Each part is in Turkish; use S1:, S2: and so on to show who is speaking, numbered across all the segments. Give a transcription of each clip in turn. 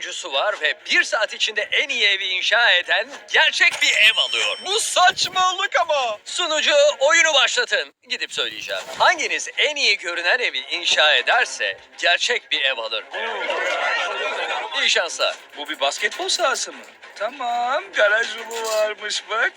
S1: sunucusu var ve 1 saat içinde en iyi evi inşa eden gerçek bir ev alıyor.
S2: Bu saçmalık ama.
S1: Sunucu oyunu başlatın. Gidip söyleyeceğim. Hanginiz en iyi görünen evi inşa ederse gerçek bir ev alır. İyi şanslar.
S3: Bu bir basketbol sahası mı? Tamam, garaj yolu varmış bak.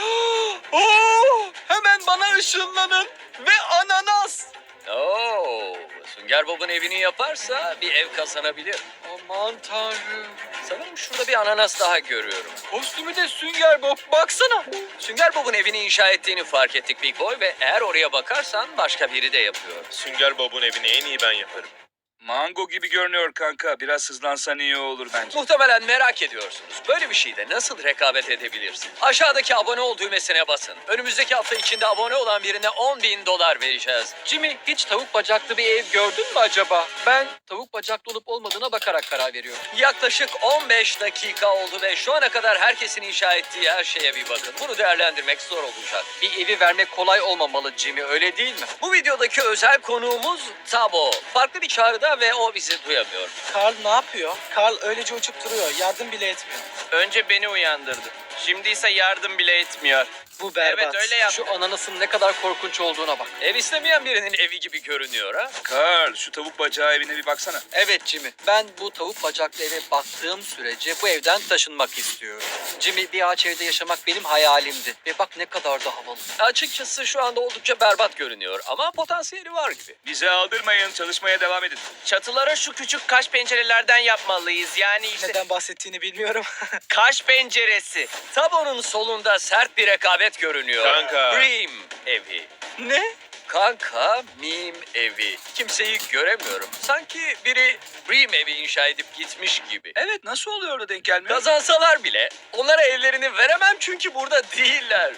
S2: Hemen bana ışınlanın ve ananas.
S1: Oo, Sünger Bob'un evini yaparsa bir ev kazanabilir.
S2: Aman tanrım.
S1: Sanırım şurada bir ananas daha görüyorum.
S2: Kostümü de Sünger Bob. Baksana.
S1: Sünger Bob'un evini inşa ettiğini fark ettik Big Boy ve eğer oraya bakarsan başka biri de yapıyor.
S4: Sünger Bob'un evini en iyi ben yaparım.
S3: Mango gibi görünüyor kanka. Biraz hızlansan iyi olur bence.
S1: Muhtemelen merak ediyorsunuz. Böyle bir şeyde nasıl rekabet edebilirsin? Aşağıdaki abone ol düğmesine basın. Önümüzdeki hafta içinde abone olan birine $10.000 vereceğiz.
S2: Jimmy, hiç tavuk bacaklı bir ev gördün mü acaba? Ben tavuk bacaklı olup olmadığına bakarak karar veriyorum.
S1: Yaklaşık 15 dakika oldu ve şu ana kadar herkesin inşa ettiği her şeye bir bakın. Bunu değerlendirmek zor olacak.
S2: Bir evi vermek kolay olmamalı Jimmy, öyle değil mi?
S1: Bu videodaki özel konuğumuz Tabo. Farklı bir çağrıda ve o bizi duyamıyor.
S5: Karl ne yapıyor? Karl öylece uçup duruyor. Yardım bile etmiyor.
S6: Önce beni uyandırdı. Şimdi ise yardım bile etmiyor.
S5: Bu berbat.
S6: Evet öyle yaptı.
S2: Şu ananasın ne kadar korkunç olduğuna bak.
S1: Ev istemeyen birinin evi gibi görünüyor ha.
S3: Karl, şu tavuk bacağı evine bir baksana.
S2: Evet Jimmy, ben bu tavuk bacaklı eve baktığım sürece bu evden taşınmak istiyorum. Jimmy, bir ağaç evde yaşamak benim hayalimdi. Ve bak ne kadar da havalı.
S1: Açıkçası şu anda oldukça berbat görünüyor ama potansiyeli var gibi.
S3: Bize aldırmayın, çalışmaya devam edin.
S6: Çatılara şu küçük kaş pencerelerden yapmalıyız. Yani işte
S5: Neden bahsettiğini bilmiyorum.
S6: kaş penceresi.
S1: Tabo'nun solunda sert bir rekabet görünüyor.
S4: Kanka.
S1: Dream evi.
S5: Ne?
S1: Kanka meme evi. Kimseyi göremiyorum. Sanki biri Dream evi inşa edip gitmiş gibi.
S3: Evet, nasıl oluyor da denk gelmiyor?
S1: Kazansalar bile onlara evlerini veremem çünkü burada değiller.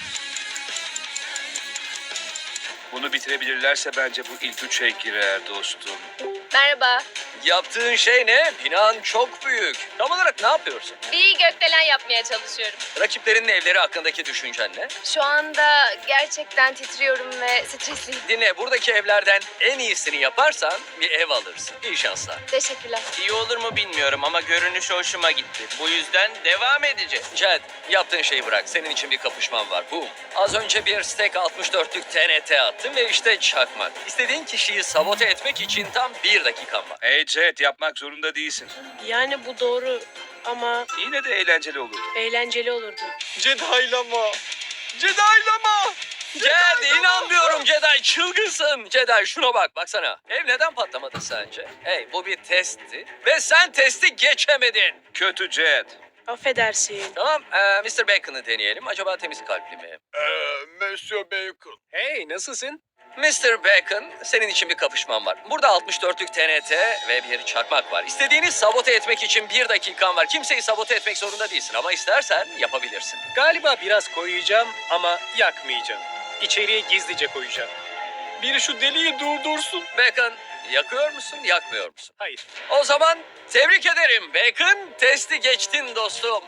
S3: Bunu bitirebilirlerse bence bu ilk üçe girer dostum.
S7: Merhaba.
S1: Yaptığın şey ne? Binan çok büyük. Tam olarak ne yapıyorsun?
S7: Bir gökdelen yapmaya çalışıyorum.
S1: Rakiplerinin evleri hakkındaki düşüncen ne?
S7: Şu anda gerçekten titriyorum ve stresliyim.
S1: Dinle, buradaki evlerden en iyisini yaparsan bir ev alırsın. İyi şanslar.
S7: Teşekkürler.
S6: İyi olur mu bilmiyorum ama görünüş hoşuma gitti. Bu yüzden devam edeceğiz.
S1: Jed, yaptığın şeyi bırak. Senin için bir kapışman var. Boom. Az önce bir Stek 64'lük TNT attım ve işte çakmak. İstediğin kişiyi sabote etmek için tam 1 dakikan var.
S3: Hey Jet, yapmak zorunda değilsin.
S8: Yani bu doğru ama
S3: Yine de eğlenceli olurdu.
S8: eğlenceli olurdu.
S2: Cedaylama. Cedaylama.
S1: Jed, inanmıyorum Jedi. Çılgınsın. Jedi şuna bak. Baksana. Ev neden patlamadı sence? Hey, bu bir testti. Ve sen testi geçemedin.
S3: Kötü Jet.
S8: Affedersin.
S1: Tamam, Mr. Bacon'ı deneyelim. Acaba temiz kalpli mi?
S4: Monsieur Bacon.
S1: Hey, nasılsın? Mr. Bacon, senin için bir kapışman var. Burada 64'lük TNT ve bir çakmak var. İstediğini sabote etmek için 1 dakikan var. Kimseyi sabote etmek zorunda değilsin ama istersen yapabilirsin.
S9: Galiba biraz koyacağım ama yakmayacağım. İçeriye gizlice koyacağım.
S2: Biri şu deliği durdursun.
S1: Bacon, yakıyor musun, yakmıyor musun?
S9: Hayır.
S1: O zaman tebrik ederim Bacon. Testi geçtin dostum.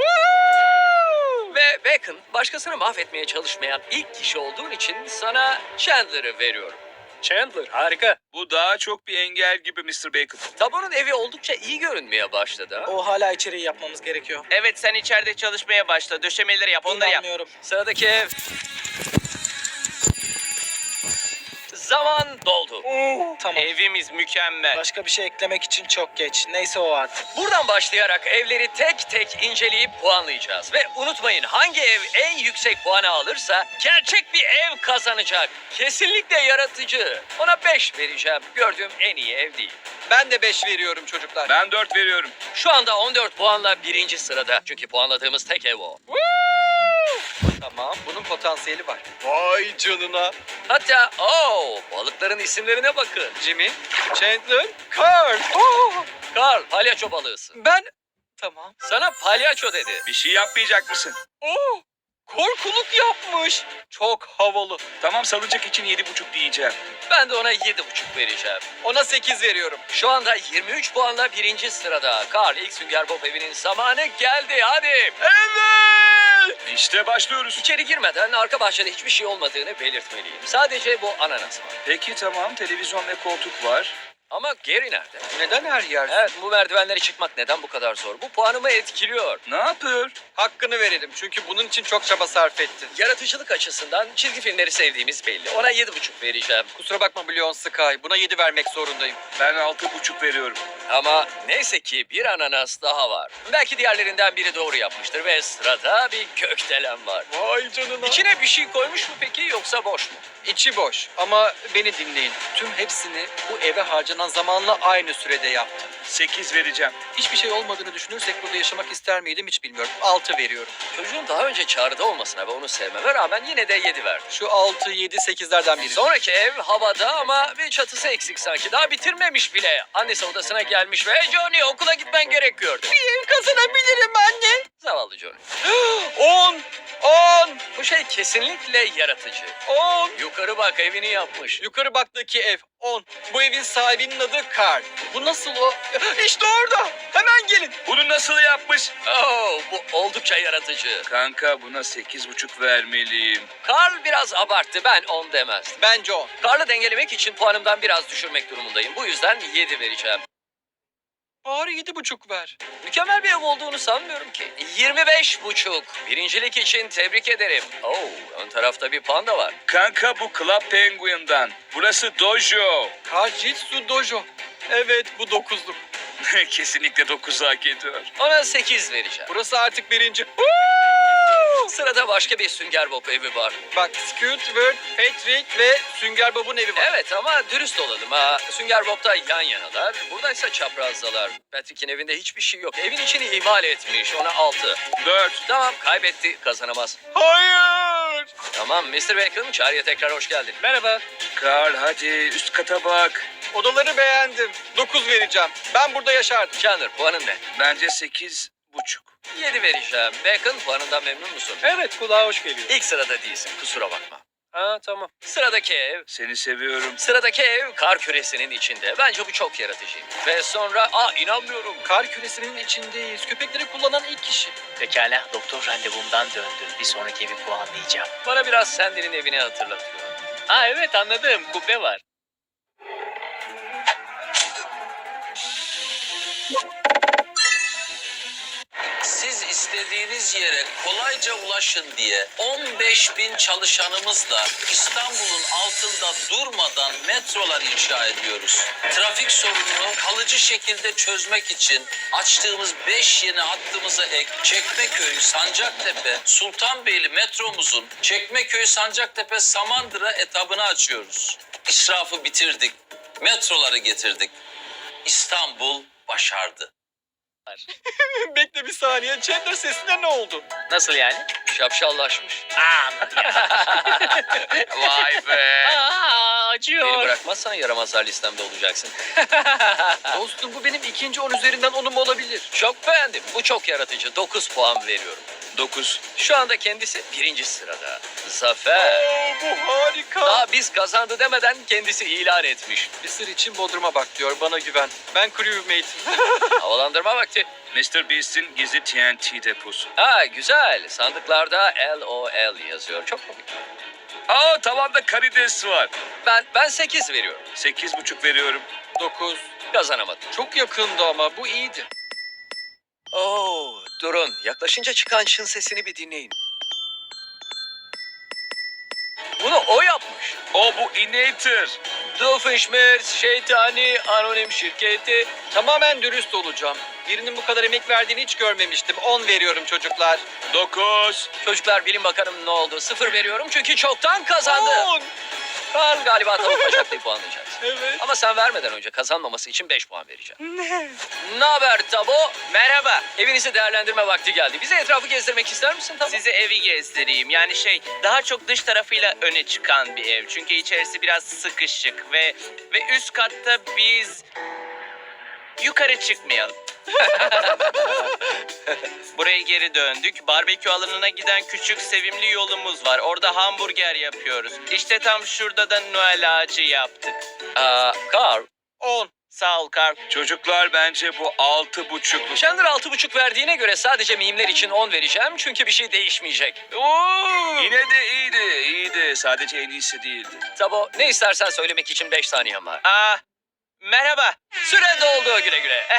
S1: Ve Bacon, başkasını mahvetmeye çalışmayan ilk kişi olduğun için sana Chandler'ı veriyorum.
S9: Chandler harika.
S3: Bu daha çok bir engel gibi Mr. Bacon.
S1: Tabo'nun evi oldukça iyi görünmeye başladı. Ha?
S5: O hala içeriği yapmamız gerekiyor.
S6: Evet sen içeride çalışmaya başla. Döşemeleri yap, onları yap.
S5: İnanmıyorum.
S1: Sıradaki ev. Zaman doldu.
S5: Tamam.
S6: Evimiz mükemmel.
S5: Başka bir şey eklemek için çok geç. Neyse o artık.
S1: Buradan başlayarak evleri tek tek inceleyip puanlayacağız. Ve unutmayın, hangi ev en yüksek puanı alırsa gerçek bir ev kazanacak. Kesinlikle yaratıcı. Ona 5 vereceğim. Gördüğüm en iyi ev değil.
S2: Ben de 5 veriyorum çocuklar.
S3: Ben 4 veriyorum.
S1: Şu anda 14 puanla 1. sırada. Çünkü puanladığımız tek ev o.
S2: Tamam, bunun potansiyeli var. Vay canına.
S1: Hatta balıkların isimlerine bakın.
S2: Jimmy, Chandler, Carl.
S1: Carl, palyaço balığısın.
S2: Ben... Tamam.
S1: Sana palyaço dedi.
S3: Bir şey yapmayacak mısın?
S2: Korkuluk yapmış. Çok havalı.
S3: Tamam, salıncak için 7,5 diyeceğim.
S1: Ben de ona 7,5 vereceğim.
S2: Ona 8 veriyorum.
S1: Şu anda 23 puanla 1. sırada. Carl, ilk Sünger Bob evinin zamanı geldi. Hadi.
S2: Evet.
S3: İşte başlıyoruz.
S1: İçeri girmeden arka bahçede hiçbir şey olmadığını belirtmeliyim. Sadece bu ananas var.
S3: Peki tamam, televizyon ve koltuk var.
S1: Ama Gary nerede?
S2: Neden her yer?
S1: Evet, bu merdivenleri çıkmak neden bu kadar zor? Bu puanımı etkiliyor.
S3: Ne yapıyor?
S2: Hakkını verelim çünkü bunun için çok çaba sarf etti.
S1: Yaratıcılık açısından çizgi filmleri sevdiğimiz belli. Ona 7,5 vereceğim.
S2: Kusura bakma Blyon Sky. Buna 7 vermek zorundayım.
S3: Ben 6,5 veriyorum.
S1: Ama neyse ki bir ananas daha var. Belki diğerlerinden biri doğru yapmıştır ve sırada bir gökdelen var.
S2: Vay canına.
S1: İçine bir şey koymuş mu peki yoksa boş mu?
S2: İçi boş ama beni dinleyin. Tüm hepsini bu eve harcanan zamanla aynı sürede yaptım.
S3: 8 vereceğim.
S2: Hiçbir şey olmadığını düşünürsek burada yaşamak ister miydim hiç bilmiyorum. 6 veriyorum.
S1: Çocuğun daha önce çağrıda olmasına ve onu sevmeme rağmen yine de 7 verdim.
S2: Şu 6, 7, 8'lerden biri.
S1: Sonraki ev havada ama bir çatısı eksik sanki. Daha bitirmemiş bile. Annesi odasına gelmiş ve Johnny okula gitmen gerekiyordu.
S2: Ev kazanabilirim anne.
S1: Zavallı Johnny.
S2: 10, 10,
S1: Bu şey kesinlikle yaratıcı.
S2: 10.
S1: Yukarı bak evini yapmış.
S2: Yukarı baktaki ev 10. Bu evin sahibinin adı Carl. Bu nasıl o? İşte orada. Hemen gelin.
S3: Bunu nasıl yapmış?
S1: Oh, bu oldukça yaratıcı.
S3: Kanka buna 8,5 vermeliyim.
S1: Carl biraz abarttı. Ben 10 demezdim.
S2: Bence 10.
S1: Carl'ı dengelemek için puanımdan biraz düşürmek durumundayım. Bu yüzden 7 vereceğim.
S2: Bari 7,5 ver.
S1: Mükemmel bir ev olduğunu sanmıyorum ki. 25,5. Birincilik için tebrik ederim. Oh, ön tarafta bir panda var.
S3: Kanka bu Club Penguin'dan. Burası Dojo.
S2: Kajitsu Dojo. Evet bu 9'luk.
S3: Kesinlikle 9 hak ediyor.
S1: Ona 8 vereceğim.
S2: Burası artık birinci.
S1: Sırada başka bir Sünger Bob evi var.
S2: Bak Squidward, Patrick ve Sünger Bob'un evi var.
S1: Evet ama dürüst olalım ha. Sünger Bob'da yan yanalar. Buradaysa çaprazdalar. Patrick'in evinde hiçbir şey yok. Evin içini ihmal etmiş. Ona 6.
S3: 4.
S1: Tamam kaybetti. Kazanamaz.
S2: Hayır.
S1: Tamam Mr. Bacon çağrıya tekrar hoş geldin.
S9: Merhaba.
S3: Carl hadi üst kata bak.
S2: Odaları beğendim. 9 vereceğim. Ben burada yaşardım.
S1: Chandler puanın ne?
S3: Bence 8,5.
S1: 7 vereceğim. Bacon puanından memnun musun?
S9: Evet, kulağa hoş geliyor.
S1: İlk sırada değilsin kusura bakma.
S9: Ha, tamam.
S1: Sıradaki ev.
S3: Seni seviyorum.
S1: Sıradaki ev kar küresinin içinde. Bence bu çok yaratıcı. Ve sonra inanmıyorum.
S2: Kar küresinin içindeyiz. Köpekleri kullanan ilk kişi.
S10: Pekala, doktor randevumdan döndüm. Bir sonraki evi puanlayacağım.
S1: Bana biraz Sandy'nin evini hatırlatıyor.
S10: Ha evet anladım, kubbe var.
S11: Siz istediğiniz yere kolayca ulaşın diye 15.000 çalışanımızla İstanbul'un altında durmadan metrolar inşa ediyoruz. Trafik sorununu kalıcı şekilde çözmek için açtığımız 5 yeni hattımıza ek Çekmeköy, Sancaktepe, Sultanbeyli metromuzun Çekmeköy, Sancaktepe, Samandıra etabını açıyoruz. İsrafı bitirdik, metroları getirdik. İstanbul başardı.
S2: Bekle bir saniye. Chandler sesine ne oldu?
S10: Nasıl yani?
S1: Şapşallaşmış.
S3: Vay be.
S10: Aa,
S1: Beni
S10: acıyor.
S1: bırakmazsan yaramazlar listemde olacaksın.
S2: Dostum bu benim ikinci 10 üzerinden 10'um olabilir.
S1: Çok beğendim. Bu çok yaratıcı. 9 puan veriyorum.
S3: 9.
S1: Şu anda kendisi birinci sırada. Zafer.
S2: Bu harika.
S1: Daha biz kazandı demeden kendisi ilan etmiş.
S2: Bir sır için Bodrum'a bak diyor. Bana güven. Ben crewmate'im.
S1: Havalandırma vakti.
S3: Mr. Beast'in gizli TNT deposu.
S1: Ha güzel. Sandıklarda LOL yazıyor. Çok komik.
S3: Aa tavanda karides var.
S1: Ben 8 veriyorum.
S3: 8,5 veriyorum.
S2: 9.
S1: Kazanamadım.
S2: Çok yakındı ama bu iyiydi.
S1: Oo, durun. Yaklaşınca çıkan çın sesini bir dinleyin. Bunu o yapmış.
S3: O bu Inator.
S1: Doofenshmirtz şeytani anonim şirketi.
S2: Tamamen dürüst olacağım. Birinin bu kadar emek verdiğini hiç görmemiştim. 10 veriyorum çocuklar.
S3: 9.
S1: Çocuklar bilin bakalım ne oldu. 0 veriyorum çünkü çoktan kazandı.
S2: 10.
S1: Karl galiba tavuk bacaklayı puanlayacağız.
S2: Evet.
S1: Ama sen vermeden önce kazanmaması için 5 puan vereceğim. Ne haber Tabo?
S6: Merhaba.
S1: Evinizi değerlendirme vakti geldi. Bize etrafı gezdirmek ister misin Tabo?
S6: Size evi gezdireyim. Yani daha çok dış tarafıyla öne çıkan bir ev. Çünkü içerisi biraz sıkışık ve üst katta biz yukarı çıkmayalım. Buraya geri döndük. Barbekü alanına giden küçük sevimli yolumuz var. Orada hamburger yapıyoruz. İşte tam şurada da Noel ağacı yaptık.
S1: Carl.
S2: 10.
S6: Sağ ol Karl.
S3: Çocuklar bence bu 6,5.
S1: Chandler 6,5 verdiğine göre sadece mimler için 10 vereceğim. Çünkü bir şey değişmeyecek.
S3: Yine de iyiydi. Sadece en iyisi değildi.
S1: Tabo ne istersen söylemek için 5 saniyen var.
S6: Merhaba.
S1: Süre doldu, güle güle.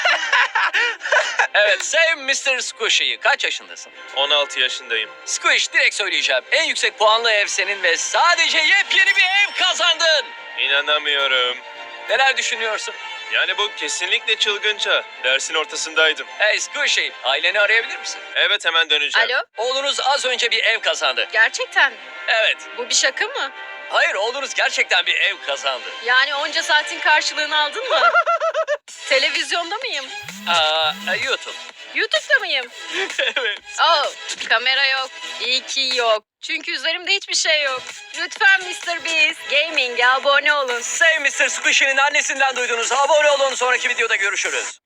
S1: Evet, Save Mr. Squishy'yi. Kaç yaşındasın?
S4: 16 yaşındayım.
S1: Squish, direkt söyleyeceğim. En yüksek puanlı ev senin ve sadece yepyeni bir ev kazandın.
S4: İnanamıyorum.
S1: Neler düşünüyorsun?
S4: Yani bu kesinlikle çılgınca. Dersin ortasındaydım.
S1: Hey Squishy, aileni arayabilir misin?
S4: Evet, hemen döneceğim.
S7: Alo,
S1: Oğlunuz az önce bir ev kazandı.
S7: gerçekten mi?
S1: Evet.
S7: Bu bir şaka mı?
S1: Hayır, oğlunuz gerçekten bir ev kazandı.
S7: Yani onca saatin karşılığını aldın mı? Televizyonda mıyım?
S1: YouTube.
S7: YouTube'da mıyım?
S1: Evet.
S7: Oh, kamera yok. İyi ki yok. Çünkü üzerimde hiçbir şey yok. Lütfen Mr. Beast Gaming'e abone olun.
S1: Save Mr. Squishy'nin annesinden duydunuz. Abone olun, sonraki videoda görüşürüz.